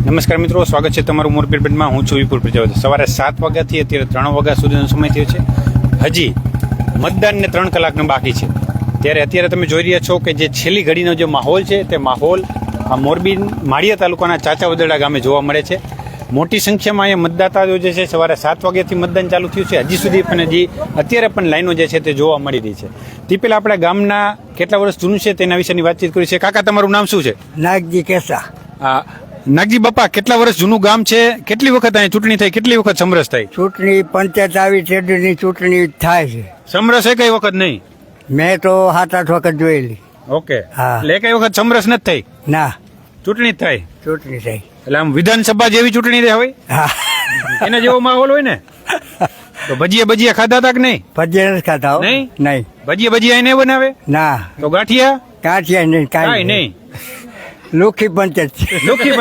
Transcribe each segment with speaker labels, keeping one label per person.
Speaker 1: નમસ્કાર મિત્રો, સ્વાગત છે તમારું મોરબી અપડેટમાં. હું છું વિપુલ પ્રજાપતિ. સવારે 7 વાગ્યાથી અત્યારે 3 વાગ્યા સુધીનો સમય થયો છે. હજી મતદાનને 3 કલાકનો બાકી છે. ત્યારે અત્યારે તમે જોઈ રહ્યા છો કે જે છેલ્લી ઘડીનો જે માહોલ છે તે માહોલ આ મોરબી માળિયા તાલુકાના ચાચા વદરડા ગામે જોવા મળે છે. મોટી સંખ્યામાં અહીંયા મતદાતાઓ જે છે સવારે 7 વાગ્યાથી મતદાન ચાલુ થયું છે. હજી સુધી પણ અત્યારે પણ લાઈનો જે છે તે જોવા મળી રહી છે. તે પહેલા આપણા ગામના કેટલા વર્ષ જૂનું છે તેના વિશેની વાતચીત કરી છે. કાકા, તમારું નામ શું છે?
Speaker 2: નાગજી કેસા.
Speaker 1: નાગજી બાપા, કેટલા વર્ષ જૂનું ગામ છે? કેટલી વખત અહીં ચૂંટણી થઈ? કેટલી વખત સમરસ થઈ?
Speaker 2: ચૂંટણી પંચાયત આવી ચેડની ચૂંટણી થાય છે.
Speaker 1: સમરસ એ કઈ વખત નહીં?
Speaker 2: મેં તો 7-8 વખત જોયેલી.
Speaker 1: ઓકે.
Speaker 2: હા.
Speaker 1: એટલે કઈ વખત સમરસ નથી થઈ?
Speaker 2: ના,
Speaker 1: ચૂંટણી જ થઈ.
Speaker 2: ચૂંટણી થઈ.
Speaker 1: એટલે આમ વિધાનસભા જેવી ચૂંટણી હોય
Speaker 2: હા,
Speaker 1: એના જેવો માહોલ હોય ને. તો ભજીયા ખાધા હતા કે નહીં?
Speaker 2: ભજીયા નથી ખાતા હો.
Speaker 1: નહીં?
Speaker 2: નહીં.
Speaker 1: ભજીયા એને બનાવે?
Speaker 2: ના,
Speaker 1: તો ગાંઠિયા?
Speaker 2: કાંઠિયા નહીં,
Speaker 1: કાંઈ
Speaker 2: કાંઈ
Speaker 1: નહીં.
Speaker 2: લુખી પંચાયત છે.
Speaker 1: લુખી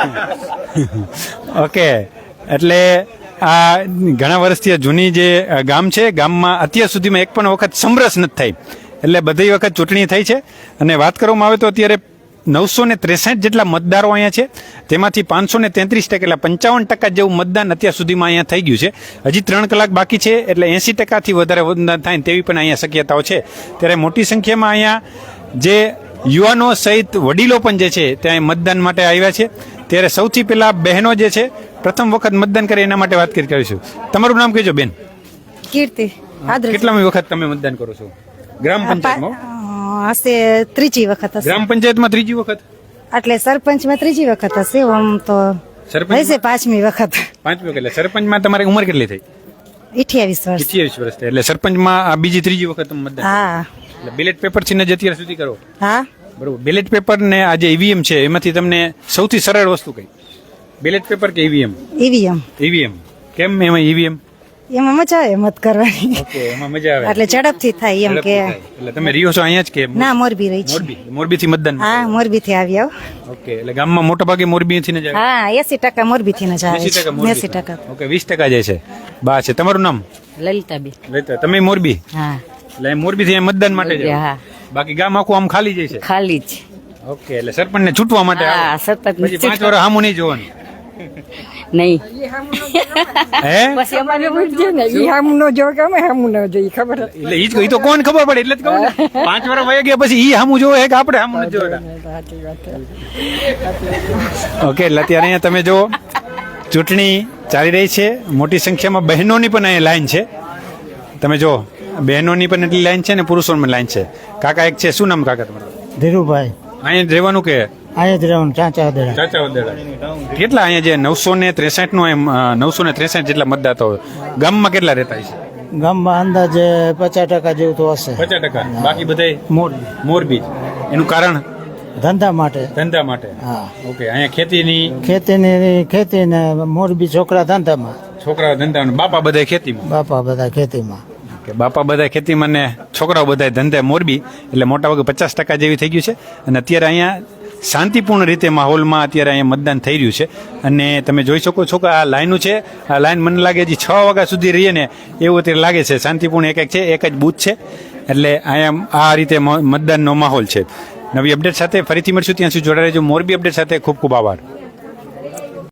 Speaker 1: પંચાયત. ઓકે. એટલે આ ઘણા વર્ષથી આ જૂની જે ગામ છે, ગામમાં અત્યાર સુધીમાં એક પણ વખત સમરસ નથી થઈ. એટલે બધી વખત ચૂંટણી થઈ છે. અને વાત કરવામાં આવે તો અત્યારે 963 જેટલા મતદારો અહીંયા છે. તેમાંથી 533 એટલે 55% જેવું મતદાન અત્યાર સુધીમાં અહીંયા થઈ ગયું છે. હજી 3 કલાક બાકી છે. એટલે 80%થી વધારે મતદાન થાય તેવી પણ અહીંયા શક્યતાઓ છે. ત્યારે મોટી સંખ્યામાં અહીંયા જે યુવાનો સહિત વડીલો પણ જે છે ત્યાં મતદાન માટે આવ્યા છે. ત્યારે સૌથી પહેલા બહેનો જે છે પ્રથમ વખત મતદાન કરે એના માટે વાત કરીશું. તમારું નામ કહેજો બેન.
Speaker 3: કીર્તિ.
Speaker 1: કેટલામી વખત તમે મતદાન કરો છો ગ્રામ પંચાયતમાં?
Speaker 3: હશે ત્રીજી વખત હશે.
Speaker 1: ગ્રામ પંચાયતમાં ત્રીજી વખત?
Speaker 3: એટલે સરપંચમાં ત્રીજી વખત હશે. આમ તો હશે પાંચમી વખત.
Speaker 1: પાંચમી વખત. એટલે સરપંચમાં તમારી ઉંમર કેટલી થઈ?
Speaker 3: 28 વર્ષ.
Speaker 1: 28 વર્ષ. એટલે સરપંચમાં આ બીજી ત્રીજી વખત તમે મતદાન?
Speaker 3: હા.
Speaker 1: એટલે બેલેટ પેપર થી જ અત્યાર સુધી કરો?
Speaker 3: હા,
Speaker 1: બરોબર. બેલેટ પેપર ને આ જે ઈવીએમ છે એમાંથી તમને સૌથી સરળ વસ્તુ કઈ? બેલેટ પેપર કે ઈવીએમ?
Speaker 3: ઈવીએમ.
Speaker 1: ઈવીએમ. કેમ એમાં ઈવીએમ?
Speaker 3: એમાં મજા આવે મત કરવાની.
Speaker 1: ઓકે, એમાં મજા આવે.
Speaker 3: એટલે ઝડપથી થાય એમ કે.
Speaker 1: એટલે તમે રહ્યો છો અહીંયા જ કે?
Speaker 3: ના, મોરબી રહી છે.
Speaker 1: મોરબી થી મતદાન?
Speaker 3: હા, મોરબી થી આવી આવ.
Speaker 1: ઓકે. એટલે ગામમાં મોટા ભાગે મોરબી થી જ આવે?
Speaker 3: હા, 80% મોરબી થી જ આવે. 80%.
Speaker 1: ઓકે, 20% જાય છે. બા છે. તમારું નામ?
Speaker 3: લલિતાબેન.
Speaker 1: લલિતા. તમે મોરબી?
Speaker 3: હા.
Speaker 1: એટલે મોરબી થી મતદાન માટે જાવ?
Speaker 3: હા.
Speaker 1: બાકી ગામ આખું આમ ખાલી જાય છે?
Speaker 3: ખાલી જ.
Speaker 1: ઓકે. એટલે સરપંચ ને છૂટવા માટે આવે?
Speaker 3: હા, સરપંચ.
Speaker 1: પછી 5 વર્ષ સામું નહીં જોવાનું?
Speaker 3: નહીં.
Speaker 1: હે?
Speaker 3: પછી અમારે પૂછજો ને, ઈ હામું ન જો કે અમે હામું ન જોઈ, ખબર.
Speaker 1: એટલે ઈ તો કોણ ખબર પડે એટલે જ કહું ને. 5 વર્ષ વયા ગયા પછી ઈ સામું જોવે કે આપણે સામું નથી જોતા? ઓકે. એટલે અત્યારે અહીંયા તમે જુઓ ચૂંટણી ચાલી રહી છે. મોટી સંખ્યામાં બહેનોની પણ અહીંયા લાઈન છે. તમે જો બહેનોની પણ એટલી લાઈન છે ને પુરુષોની પણ લાઈન છે. કાકા એક છે. શું નામ કાકા તમારું?
Speaker 2: ધીરુભાઈ.
Speaker 1: અહીંયા જ રહેવાનું કે?
Speaker 2: અહીંયા જ રહેવાનું. ચાચા વદરડા.
Speaker 1: ચાચા વદરડા. કેટલા અહીંયા જે 963 નો એમ 963 જેટલા મતદાતાઓ ગામમાં કેટલા રહેતા છે?
Speaker 2: ગામમાં અંદાજે 50% જેવું તો હશે.
Speaker 1: 50%. બાકી બધા
Speaker 2: મોરબી.
Speaker 1: મોરબી. એનું કારણ?
Speaker 2: ધંધા માટે.
Speaker 1: ધંધા માટે.
Speaker 2: હા.
Speaker 1: ઓકે. અહીંયા
Speaker 2: ખેતી ને મોરબી છોકરા ધંધામાં.
Speaker 1: છોકરાઓ ધંધા, બાપા બધા ખેતીમાં?
Speaker 2: બાપા બધા ખેતીમાં.
Speaker 1: બાપા બધા ખેતીમાં ને છોકરાઓ બધા ધંધે મોરબી. એટલે મોટા ભાગે 50% જેવી થઈ ગયું છે. અને અત્યારે અહીંયા શાંતિપૂર્ણ રીતે માહોલમાં અત્યારે અહીંયા મતદાન થઈ રહ્યું છે. અને તમે જોઈ શકો છો કે આ લાઈનો છે. આ લાઈન મને લાગે હજી 6 વાગ્યા સુધી રહીએ ને એવું અત્યારે લાગે છે. શાંતિપૂર્ણ એક છે, એક જ બૂથ છે. એટલે અહીંયા આ રીતે મતદાનનો માહોલ છે. નવી અપડેટ સાથે ફરીથી મળશું. ત્યાં સુધી જોડાઈ રહેજો. મોરબી અપડેટ સાથે ખૂબ ખૂબ આભાર.